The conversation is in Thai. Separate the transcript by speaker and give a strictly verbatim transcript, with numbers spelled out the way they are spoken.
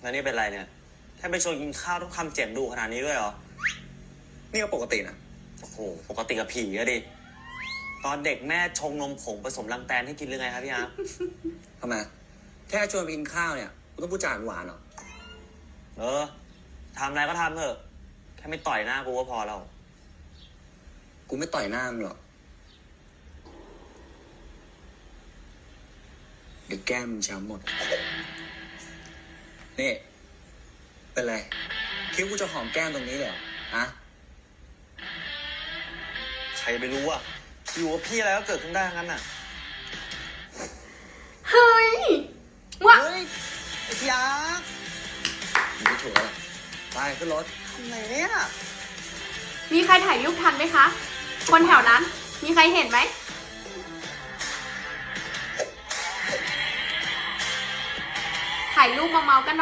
Speaker 1: แล้วนี่เป็นไรเนี่ยแค่ไปชวนกินข้าวต้องทำเจ็บดูขนาดนี้ด้วยเหรอ
Speaker 2: นี่ก็ปกตินะ
Speaker 1: โอ้โหปกติกับผีอะดิตอนเด็กแม่ชงนมผงผสมรังแตนให้กินหรือไงครับพี่อาร์
Speaker 2: ทำไมแค่ชวนไปกินข้าวเนี่ยกูต้องพูดจาหวานเหรอ
Speaker 1: เออทำอะไรก็ทำเถอะแค่ไม่ต่อยหน้ากูก็พอแล้ว
Speaker 2: กูไม่ต่อยหน้ามึงหรอกเดี๋ยวแก้มมึงช้ำหมดนี่เป็นไรคิดว่ากูจะหอมแก้มตรงนี้เลยเหรอฮะ
Speaker 1: ใครไปรู้อ่ะอยู่กับพี่อะไรก็เกิดขึ้นได้งั้นน่ะ
Speaker 3: เฮ้ย
Speaker 1: ว้าเฮ้ยไอ้พี่อาร์
Speaker 2: มึงไม่ถูกแล้วไปขึ้นรถ
Speaker 1: ทำไงเนี่ย
Speaker 3: มีใครถ่ายรูปทันไหมคะคนแถวนั้นมีใครเห็นไหมถ่ายรูปมาเมากัน